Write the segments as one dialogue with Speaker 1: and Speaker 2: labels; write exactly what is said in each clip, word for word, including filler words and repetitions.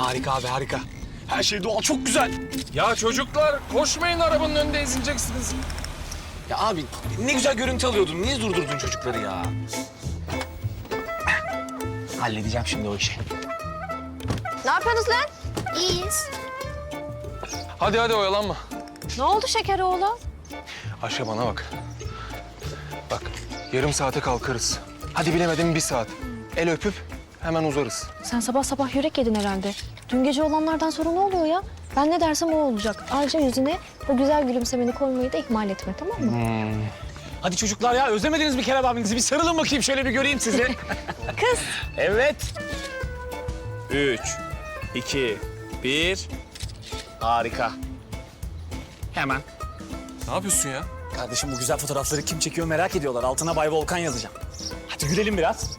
Speaker 1: Harika abi, harika. Her şey doğal, çok güzel.
Speaker 2: Ya çocuklar koşmayın, arabanın önünde ezileceksiniz.
Speaker 1: Ya abi ne güzel görüntü alıyordun. Niye durdurdun çocukları ya? Halledeceğim şimdi o işi.
Speaker 3: Ne yapıyorsunuz lan?
Speaker 4: İyiyiz.
Speaker 2: Hadi hadi oyalanma.
Speaker 3: Ne oldu şeker oğlu?
Speaker 2: Ayşe bana bak. Bak yarım saate kalkarız. Hadi bilemedim bir saat. El öpüp hemen uzarız.
Speaker 3: Sen sabah sabah yürek yedin herhalde. Dün gece olanlardan sonra ne oluyor ya? Ben ne dersem o olacak. Ayrıca yüzüne o güzel gülümsemeni koymayı da ihmal etme, tamam mı?
Speaker 1: Hadi çocuklar ya, özlemediniz mi Kerem abinizi? Bir sarılın bakayım, şöyle bir göreyim sizi.
Speaker 3: Kız.
Speaker 1: Evet. Üç, iki, bir. Harika. Hemen.
Speaker 2: Ne yapıyorsun ya?
Speaker 1: Kardeşim bu güzel fotoğrafları kim çekiyor merak ediyorlar. Altına Bay Volkan yazacağım. Hadi gülelim biraz.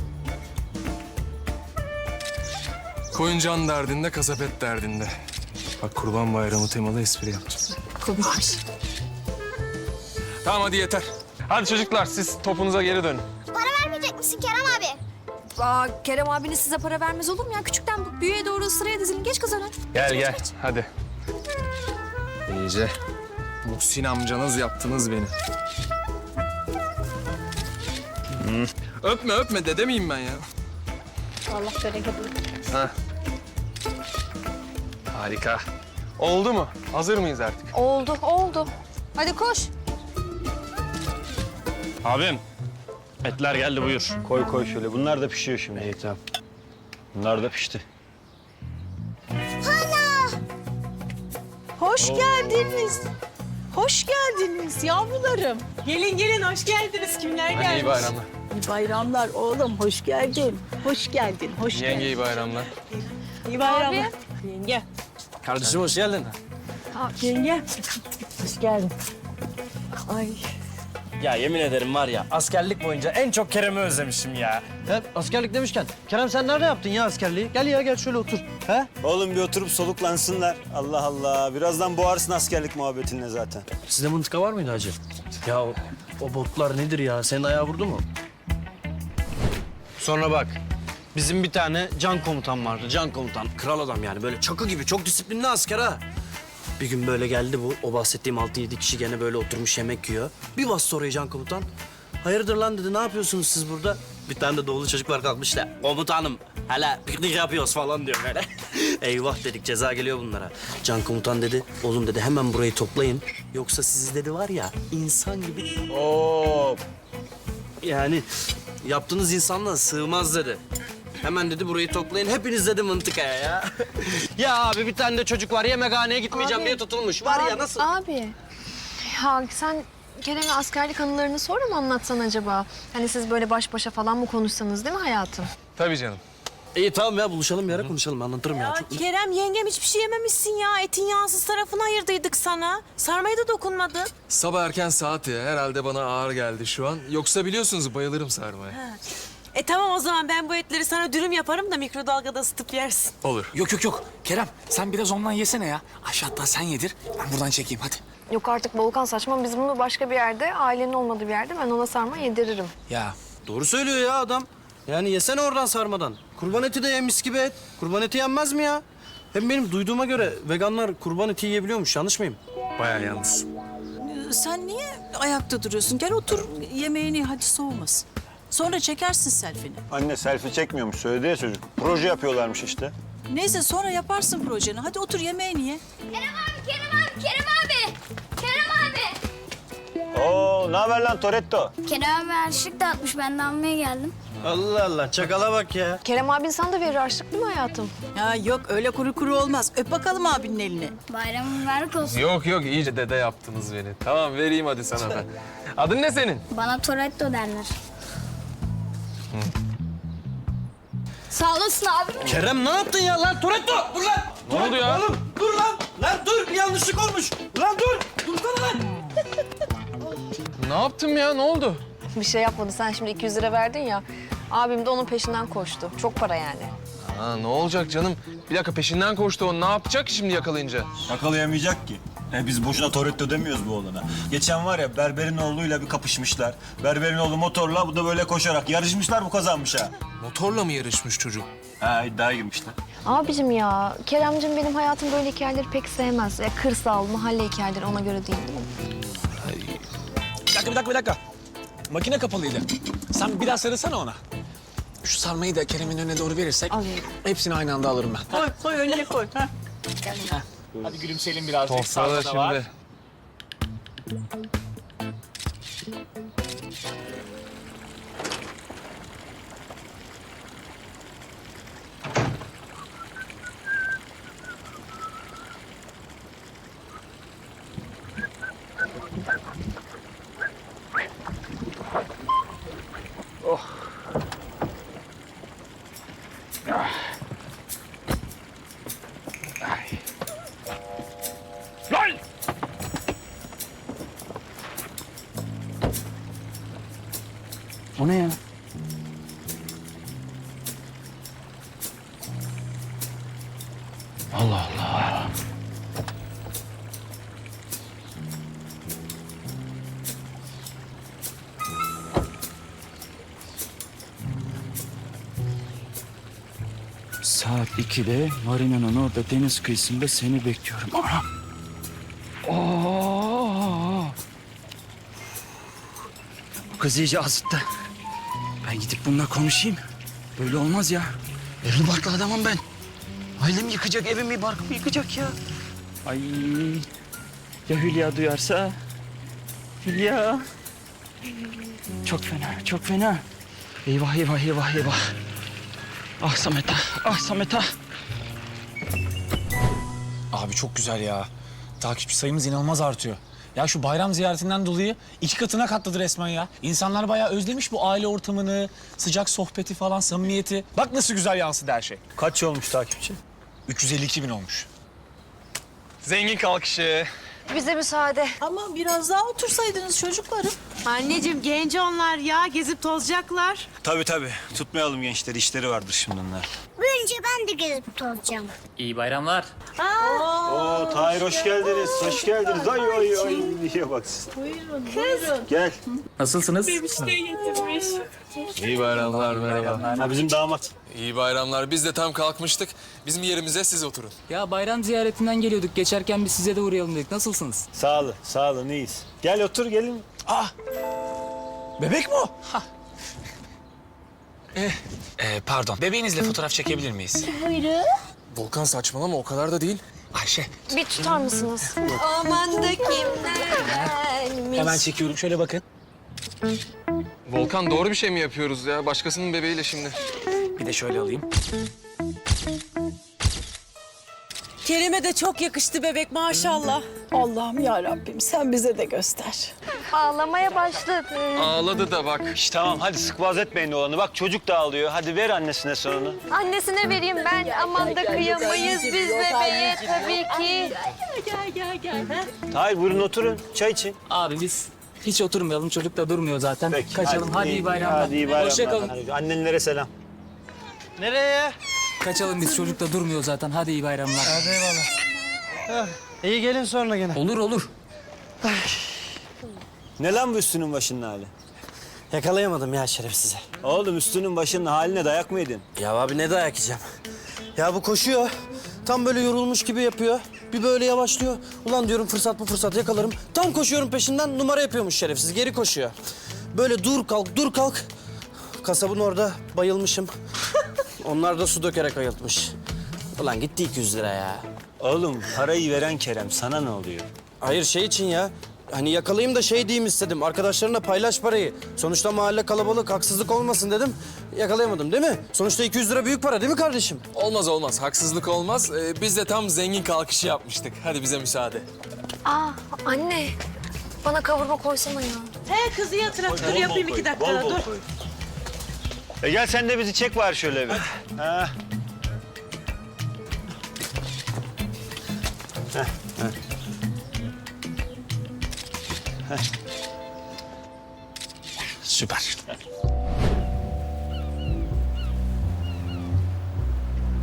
Speaker 2: Koyun can derdinde, kasap et derdinde. Bak Kurban Bayramı temalı espri yapacağım.
Speaker 3: Komikmiş.
Speaker 2: Tamam hadi yeter. Hadi çocuklar siz topunuza geri dönün.
Speaker 4: Para vermeyecek misin Kerem abi?
Speaker 3: Aa, Kerem abiniz size para vermez olur mu ya? Küçükten bu büyüğe doğru sıraya dizilin. Geç kız öne.
Speaker 2: Gel gel hadi. İyice. Muhsin amcanız yaptınız beni. Hmm. Öpme öpme dede miyim ben ya?
Speaker 3: Allah bereket
Speaker 2: Ha. Harika. Oldu mu? Hazır mıyız artık?
Speaker 3: Oldu, oldu. Hadi koş.
Speaker 5: Abim, etler geldi buyur. Koy koy şöyle. Bunlar da pişiyor şimdi. İyi tamam. Bunlar da pişti.
Speaker 6: Hoş geldiniz. Hoş geldiniz yavrularım. Gelin gelin hoş geldiniz. Kimler
Speaker 2: Hadi
Speaker 6: gelmiş?
Speaker 2: iyi bayramlar.
Speaker 6: İyi bayramlar oğlum. Hoş geldin. Hoş geldin. Hoş
Speaker 2: Yenge
Speaker 6: geldin.
Speaker 2: iyi bayramlar.
Speaker 6: İyi bayramlar. Yenge.
Speaker 1: Kardeşim hoş geldin.
Speaker 6: Yenge. Hoş geldin. Ay.
Speaker 5: Ya yemin ederim var ya askerlik boyunca en çok Kerem'i özlemişim ya.
Speaker 7: Ya askerlik demişken, Kerem sen nerede yaptın ya askerliği? Gel ya gel şöyle otur. He?
Speaker 5: Oğlum bir oturup soluklansınlar. Allah Allah. Birazdan boğarsın askerlik muhabbetinle zaten.
Speaker 7: Sizde mıntıka var mıydı hacı? Ya o, o botlar nedir ya? Senin ayağı vurdu mu? Sonra bak, bizim bir tane can komutan vardı. Can komutan, kral adam yani. Böyle çakı gibi, çok disiplinli asker ha. Bir gün böyle geldi bu, o bahsettiğim altı yedi kişi gene böyle oturmuş yemek yiyor. Bir bastı oraya can komutan. Hayırdır lan dedi, ne yapıyorsunuz siz burada? Bir tane de doğulu çocuk var kalkmış da, komutanım hele piknik yapıyoruz falan diyor böyle. Eyvah dedik, ceza geliyor bunlara. Can komutan dedi, oğlum dedi hemen burayı toplayın. Yoksa sizi dedi var ya, insan gibi... Oo. Yani yaptığınız insanla sığmaz dedi. Hemen dedi burayı toplayın, hepiniz dedi mıntıkaya ya. Ya abi bir tane de çocuk var, yemekhaneye gitmeyeceğim
Speaker 3: Abi.
Speaker 7: diye tutulmuş. Var ya nasıl?
Speaker 3: Abi. Ya sen Kerem'e askerlik anılarını sonra mı anlatsan acaba? Hani siz böyle baş başa falan mı konuşsanız değil mi hayatım?
Speaker 2: Tabii canım.
Speaker 7: İyi tamam ya buluşalım bir ara konuşalım, anlatırım ya.
Speaker 6: Ya
Speaker 7: Çok...
Speaker 6: Kerem yengem hiçbir şey yememişsin ya. Etin yağsız tarafını ayırdıydık sana. Sarmaya da dokunmadın.
Speaker 2: Sabah erken saat ya. Herhalde bana ağır geldi şu an. Yoksa biliyorsunuz bayılırım sarmaya.
Speaker 6: E tamam o zaman ben bu etleri sana dürüm yaparım da mikrodalgada ısıtıp yersin.
Speaker 2: Olur.
Speaker 1: Yok yok yok. Kerem sen biraz ondan yesene ya. Ayşe hatta sen yedir. Ben buradan çekeyim hadi.
Speaker 3: Yok artık Volkan saçma. Biz bunu başka bir yerde, ailenin olmadığı bir yerde ben ona sarma yediririm.
Speaker 1: Ya
Speaker 7: Doğru söylüyor ya adam. Yani yesene oradan sarmadan. Kurban eti de ye mis gibi et. Kurban eti yenmez mi ya? Hem benim duyduğuma göre veganlar kurban eti yiyebiliyormuş, yanlış mıyım?
Speaker 2: Bayağı yalnız.
Speaker 6: Sen niye ayakta duruyorsun? Gel otur yemeğini hadi soğumasın. Sonra çekersin selfie'ni.
Speaker 5: Anne selfie çekmiyormuş söyledi ya çocuk. Proje yapıyorlarmış işte.
Speaker 6: Neyse sonra yaparsın projeni. Hadi otur yemeğini ye.
Speaker 4: Kerem abi, Kerem abi, Kerem abi. Kerem abi.
Speaker 5: Oo ne haber lan Toretto?
Speaker 4: Kerem abi harçlık dağıtmış. Ben de almaya geldim.
Speaker 7: Allah Allah, çakala bak ya.
Speaker 3: Kerem abin sana da verir harçlık değil mi hayatım?
Speaker 6: Ya yok öyle kuru kuru olmaz. Öp bakalım abinin elini.
Speaker 4: Bayramın mübarek olsun.
Speaker 2: Yok yok iyice dede yaptınız beni. Tamam vereyim hadi sana ben. Adın ne senin?
Speaker 4: Bana Toretto derler. Sağ olasın abi.
Speaker 7: Kerem ne yaptın ya lan? Toretto dur lan.
Speaker 2: Ne oldu ya?
Speaker 7: Oğlum dur lan. Lan dur, bir yanlışlık olmuş. Lan dur. Dursana lan.
Speaker 2: Ne yaptım ya? Ne oldu?
Speaker 3: Bir şey yapmadı. Sen şimdi iki yüz lira verdin ya. Abim de onun peşinden koştu. Çok para yani.
Speaker 2: Ha, ne olacak canım? Bir dakika peşinden koştu o. Ne yapacak şimdi yakalayınca?
Speaker 8: Yakalayamayacak ki. E biz boşuna Toretto demiyoruz bu oğlana. Geçen var ya Berber'in oğluyla bir kapışmışlar. Berber'in oğlu motorla, bu da böyle koşarak. Yarışmışlar, bu kazanmış ha.
Speaker 2: Motorla mı yarışmış çocuk?
Speaker 8: Ha, iddiaya girmişler.
Speaker 3: Abicim ya, Keremcim benim hayatım böyle hikayeleri pek sevmez. Ya, kırsal, mahalle hikayeleri ona göre değil, değil mi?
Speaker 1: Bir dakika, bir dakika, bir dakika. Makine kapalıydı. Sen bir daha sarılsana ona. Şu sarmayı da Kerem'in önüne doğru verirsek
Speaker 3: Alayım.
Speaker 1: hepsini aynı anda alırım ben.
Speaker 6: Koy, koy önüne koy. Ha.
Speaker 1: Hadi gülümseyelim birazcık.
Speaker 2: Toprağı
Speaker 1: Sarma
Speaker 2: da
Speaker 1: da var.
Speaker 2: şimdi.
Speaker 5: O ne ya? Allah Allah. Saat ikide marinanın orada deniz kıyısında seni bekliyorum. Anam. Oo. Bu kız iyice azıttı. Ben gidip bununla konuşayım. Böyle olmaz ya. Evli barklı adamım ben. Ailemi yıkacak, evimi, barkımı yıkacak ya. Ay. Ya Hülya duyarsa? Hülya. Çok fena, çok fena. Eyvah, eyvah, eyvah, eyvah. Ah Samet ah, ah Samet ah.
Speaker 1: Abi çok güzel ya. Takipçi sayımız inanılmaz artıyor. Ya şu bayram ziyaretinden dolayı iki katına katladı resmen ya. İnsanlar bayağı özlemiş bu aile ortamını, sıcak sohbeti falan, samimiyeti. Bak nasıl güzel yansıdı her şey.
Speaker 8: Kaç olmuş takipçi?
Speaker 1: üç yüz elli iki bin olmuş.
Speaker 2: Zengin kalkışı.
Speaker 3: Bize müsaade.
Speaker 6: Ama biraz daha otursaydınız çocuklarım.
Speaker 9: Anneciğim genç onlar ya gezip tozacaklar.
Speaker 8: Tabii tabii. Tutmayalım gençleri, işleri vardır şimdi onlar.
Speaker 4: Önce ben de gezip tolacağım.
Speaker 1: İyi bayramlar.
Speaker 8: Oo, Tahir hoş geldiniz, hoş geldiniz. Ay ay ay, niye bak siz. Buyurun, buyurun. Gel.
Speaker 1: Nasılsınız?
Speaker 2: İyi bayramlar, merhaba.
Speaker 8: Ha, bizim damat.
Speaker 2: İyi bayramlar. Biz de tam kalkmıştık. Bizim yerimize siz oturun.
Speaker 10: Ya bayram ziyaretinden geliyorduk. Geçerken biz size de uğrayalım dedik. Nasılsınız?
Speaker 8: Sağ olun, sağ olun, iyiyiz. Gel otur, gelin.
Speaker 1: Ah! Bebek mi o? Ha. Eh, eh, pardon. Bebeğinizle fotoğraf çekebilir miyiz?
Speaker 2: Volkan saçmalama o kadar da değil.
Speaker 1: Ayşe,
Speaker 3: Bir tutar mısınız?
Speaker 9: Aman da kimlermiş.
Speaker 1: hemen çekiyorum. Şöyle bakın.
Speaker 2: Volkan doğru bir şey mi yapıyoruz ya? Başkasının bebeğiyle şimdi.
Speaker 1: Bir de şöyle alayım.
Speaker 9: Kerem'e de çok yakıştı bebek maşallah.
Speaker 6: Allah'ım ya Rabbim sen bize de göster.
Speaker 3: Ağlamaya başladı.
Speaker 2: Ağladı da bak.
Speaker 8: İşte tamam, hadi sıkbaz etmeyin oğlanı. Bak çocuk da ağlıyor. Hadi ver annesine sonunu.
Speaker 3: Annesine vereyim ben. Aman da kıyamayız biz bebeğe tabii ki.
Speaker 8: Tahir buyurun oturun, çay için.
Speaker 10: Abi biz hiç oturmayalım. Çocuk da durmuyor zaten.
Speaker 8: Peki,
Speaker 10: Kaçalım. Hadi, iyi bayramlar.
Speaker 8: Hadi iyi bayramlar.
Speaker 10: Hoşça kalın.
Speaker 8: Hadi, annenlere selam.
Speaker 7: Nereye?
Speaker 10: Kaçalım biz. Çocuk da durmuyor zaten. Hadi iyi bayramlar.
Speaker 7: Hadi eyvallah. İyi gelin sonra gene.
Speaker 10: Olur olur.
Speaker 8: Ne lan bu üstünün başının hali?
Speaker 7: Yakalayamadım ya şerefsizi.
Speaker 8: Oğlum üstünün başının haline dayak mı yedin?
Speaker 7: Ya abi ne dayak yiyeceğim? Ya bu koşuyor. Tam böyle yorulmuş gibi yapıyor. Bir böyle yavaşlıyor. Ulan diyorum fırsat bu fırsat yakalarım. Tam koşuyorum peşinden numara yapıyormuş şerefsiz. Geri koşuyor. Böyle dur kalk dur kalk. Kasabın orada bayılmışım. Onlar da su dökerek ayıltmış. Ulan gitti iki yüz lira ya.
Speaker 8: Oğlum parayı veren Kerem, sana ne oluyor?
Speaker 7: Hayır şey için ya. Hani yakalayayım da şey diyeyim istedim. Arkadaşlarına paylaş parayı. Sonuçta mahalle kalabalık, haksızlık olmasın dedim. Yakalayamadım değil mi? Sonuçta iki yüz lira büyük para değil mi kardeşim?
Speaker 2: Olmaz olmaz. Haksızlık olmaz. Ee, biz de tam zengin kalkışı yapmıştık. Hadi bize müsaade.
Speaker 3: Aa anne. Bana kavurma koysana ya.
Speaker 9: He kızı yatır dur yapayım iki dakika dur.
Speaker 8: E gel sen de bizi çek var şöyle bir. Ha.
Speaker 1: Süper.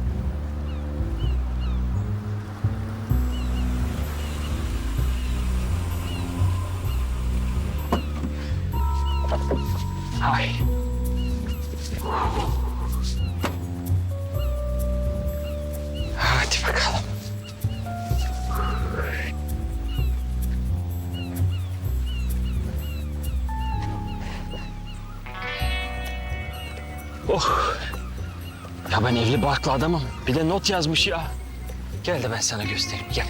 Speaker 5: Oh. Ya ben evli barklı adamım. Bir de not yazmış ya. Gel de ben sana göstereyim, gel.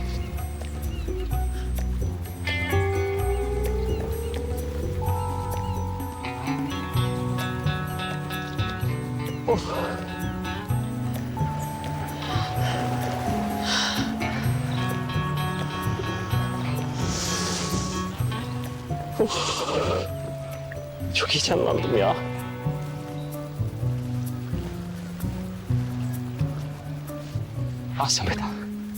Speaker 5: Oh. Oh. Çok heyecanlandım ya. Al Samet al.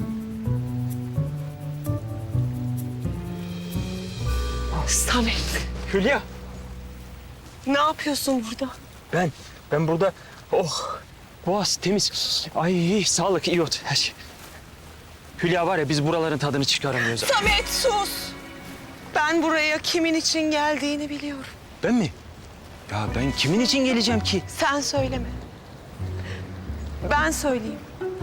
Speaker 9: Samet,
Speaker 5: Hülya.
Speaker 9: ne yapıyorsun burada?
Speaker 5: Ben, ben burada... Oh, boğaz temiz. Ay sağlık, iyi ot her şey. Hülya var ya biz buraların tadını çıkaramıyoruz.
Speaker 9: Samet sus. Ben buraya kimin için geldiğini biliyorum.
Speaker 5: Ben mi? Ya ben kimin için geleceğim ki?
Speaker 9: Sen söyleme. Ben söyleyeyim.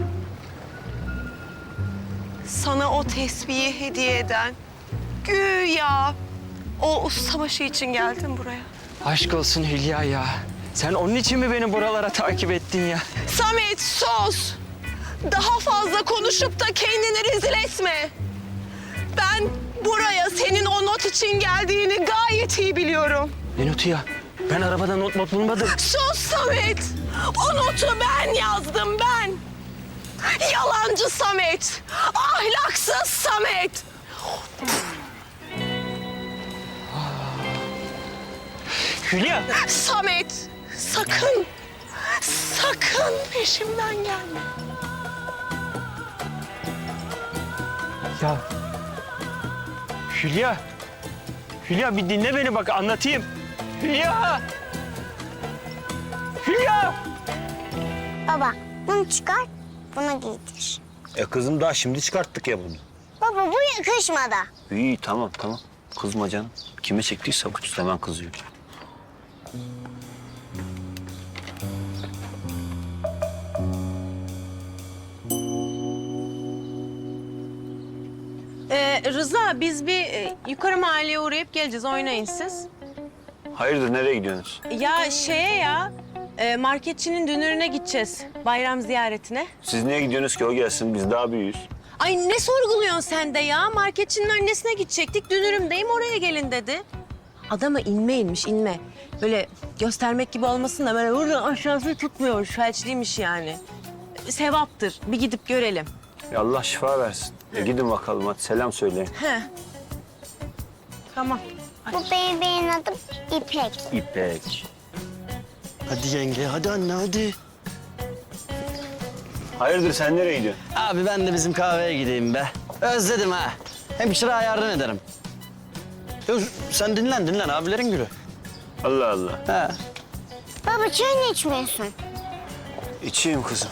Speaker 9: Sana o tesbihi hediye eden güya o ustabaşı için geldim buraya.
Speaker 5: Aşk olsun Hülya ya. Sen onun için mi beni buralara takip ettin ya?
Speaker 9: Samet sus. Daha fazla konuşup da kendini rezil etme. Ben buraya senin o not için geldiğini gayet iyi biliyorum.
Speaker 5: Ne notu ya? Ben arabada not not bulmadım.
Speaker 9: Sus Samet. O notu ben yazdım ben. Yalancı Samet. Ahlaksız Samet.
Speaker 5: Hülya!
Speaker 9: Samet sakın, sakın peşimden gelme.
Speaker 5: Ya Hülya! Hülya bir dinle beni bak anlatayım. Hülya! Hülya!
Speaker 4: Baba bunu çıkar, bunu giydir.
Speaker 8: E kızım daha şimdi çıkarttık ya bunu.
Speaker 4: Baba bu yakışmadı.
Speaker 8: İyi tamam tamam. Kızma canım. Kime çektiyse bu hemen kızıyor.
Speaker 9: Ee, Rıza biz bir e, yukarı mahalleye uğrayıp geleceğiz. Oynayın siz.
Speaker 8: Hayırdır nereye gidiyorsunuz?
Speaker 9: Ya şeye ya e, marketçinin dünürüne gideceğiz. Bayram ziyaretine.
Speaker 8: Siz niye gidiyorsunuz ki o gelsin biz daha büyüğüz.
Speaker 9: Ay ne sorguluyorsun sen de ya? Marketçinin annesine gidecektik. Dünürümdeyim oraya gelin dedi. Adama inme inmiş inme. Böyle göstermek gibi olmasın da böyle burada aşağısı tutmuyormuş. Felçliymiş yani. Sevaptır. Bir gidip görelim.
Speaker 8: Ya Allah şifa versin. E gidin bakalım hadi selam söyleyin.
Speaker 9: He. Tamam.
Speaker 4: Bu bebeğin adı İpek.
Speaker 8: İpek.
Speaker 7: Hadi yenge, hadi anne, hadi.
Speaker 8: Hayırdır sen nereye gidiyorsun?
Speaker 7: Abi ben de bizim kahveye gideyim be. Özledim ha. Hemşire ayardan ederim. Yok, sen dinlen, dinlen. Abilerin gülü.
Speaker 8: Allah Allah.
Speaker 7: He.
Speaker 4: Baba çay mı içmiyorsun?
Speaker 8: İçeyim kızım.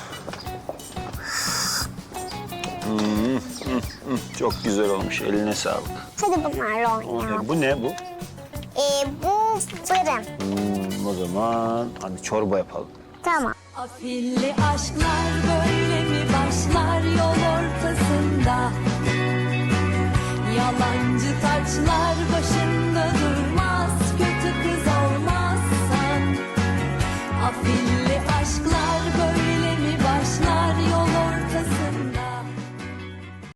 Speaker 8: Hmm, hmm, hmm. Çok güzel olmuş. Eline sağlık.
Speaker 4: Hadi bunlarla oynayalım.
Speaker 8: E, bu ne bu?
Speaker 4: Ee, bu fırın.
Speaker 8: Hmm, o zaman hadi çorba yapalım.
Speaker 4: Tamam.
Speaker 11: Afilli aşklar böyle mi başlar yol ortasında? Yalancı taçlar